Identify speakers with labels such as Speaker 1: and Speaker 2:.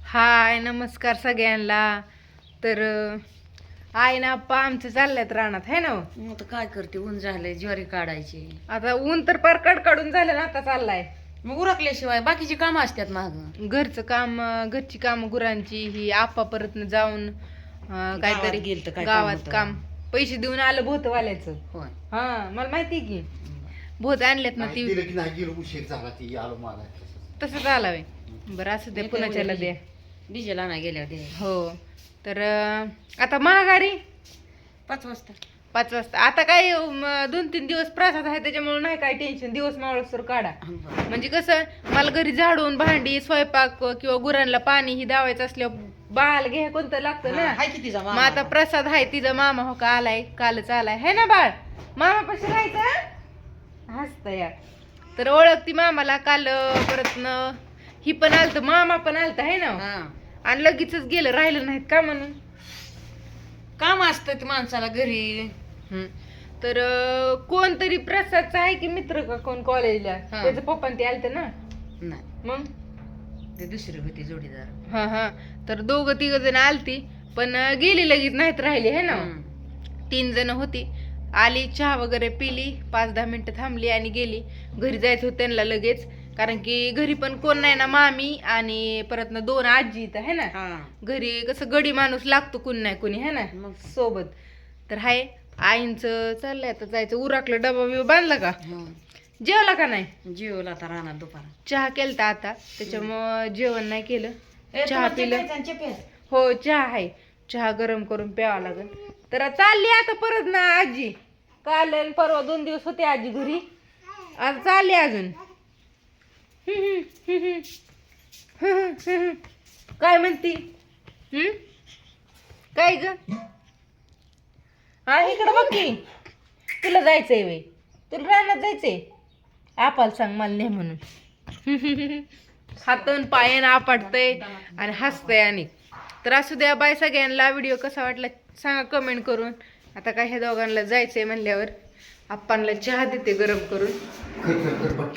Speaker 1: हाय नमस्कार सगळ्यांना. तर आहे ना आप्पा आमचं चालल्यात रानात है ना हो?
Speaker 2: मग आता काय करते, ऊन झालंय, ज्वारी काढायची.
Speaker 1: आता ऊन तर पार कडकडून झालं ना, आता चाललाय
Speaker 2: मग उरकल्याशिवाय बाकीची कामं असतात माग.
Speaker 1: घरचं काम, घरची काम, गुरांची ही आप्पा परत जाऊन काहीतरी
Speaker 2: गेलतं, काय काम
Speaker 1: गावात
Speaker 2: होतं?
Speaker 1: काम पैसे देऊन आलं भोतवाल्याचं.
Speaker 2: होय.
Speaker 1: हा मला माहिती की भोत आणलेत ना ती
Speaker 3: दिलं की नाही गेलो उशीर झाला ती आलो मला
Speaker 1: तसंच आला वे. बरं असं ते पुण्याच्याला द्या.
Speaker 2: डिझेल आणा गेल्या दे
Speaker 1: हो तर आता महागारी
Speaker 2: 5 वाजता.
Speaker 1: 5 वाजता. आता काय 2-3 दिवस प्रसाद आहे त्याच्यामुळे नाही काय टेन्शन. दिवस मावळसर काढा. म्हणजे कसं मला घरी झाडून भांडी स्वयंपाक किंवा गुरांना पाणी ही दावायचं असल्यावर बाळाला घ्या कोणतं लागतं ना.
Speaker 2: हाय की तिचा
Speaker 1: मग आता प्रसाद आहे तिचा मामा हो का आलाय, कालच आलाय है ना बाळ. मामा पाशी राहायचं हसत या. तर ओळखती मामाला काल परत ही पण आलत, मामा पण आलता है ना. आणि लगेचच गेलं, राहिलं नाहीत का म्हणून.
Speaker 2: काम असतं माणसाला घरी.
Speaker 1: तर कोणतरी प्रसादचा आहे की मित्र का कोण कॉलेजला, त्याचं पप्पा ते आलते ना.
Speaker 2: नाही
Speaker 1: मग
Speaker 2: ते दुसरी होती जोडीदार.
Speaker 1: हा हा तर 2-3 जण आलती पण गेली लगेच, नाहीत राहिली है ना. 3 जण होती, आली चहा वगैरे पिली, 5-10 मिनिटं थांबली आणि गेली. घरी जायचं होतं त्यांना लगेच, कारण की घरी पण कोण नाही ना, मामी आणि परत ना 2 आजी इथं है ना. घरी कसं गडी माणूस लागतो, कोण नाही कोणी है ना
Speaker 2: मग
Speaker 1: सोबत. तर हाय आईंचं चाललंय आता जायचं. उराकलं, डबा बिबा बांधला का, जेवला का नाही.
Speaker 2: जेवला आता राहणार दुपार.
Speaker 1: चहा केलता आता, त्याच्यामुळं जेवण नाही केलं. चहा पिलं.
Speaker 2: चहा
Speaker 1: हो चहा आहे, चहा गरम करून प्यावा लागेल. तर चालली आता परत ना आजी. काल आणि परवा 2 दिवस होते आजी घरी, आता चालली अजून. काय म्हणती काय ग. हा इकडं बघ की, तुला जायचंय वे, तुला रानात जायचंय. आपाला सांग मला नाही म्हणून. हातन पायन आपटतय आणि हसतय. आणि तर असू द्या, बाय सगळ्यांना. व्हिडिओ कसा वाटला सांगा कमेंट करून. आता काय ह्या दोघांना जायचंय म्हणल्यावर आप्पांना चहा देते गरम करून.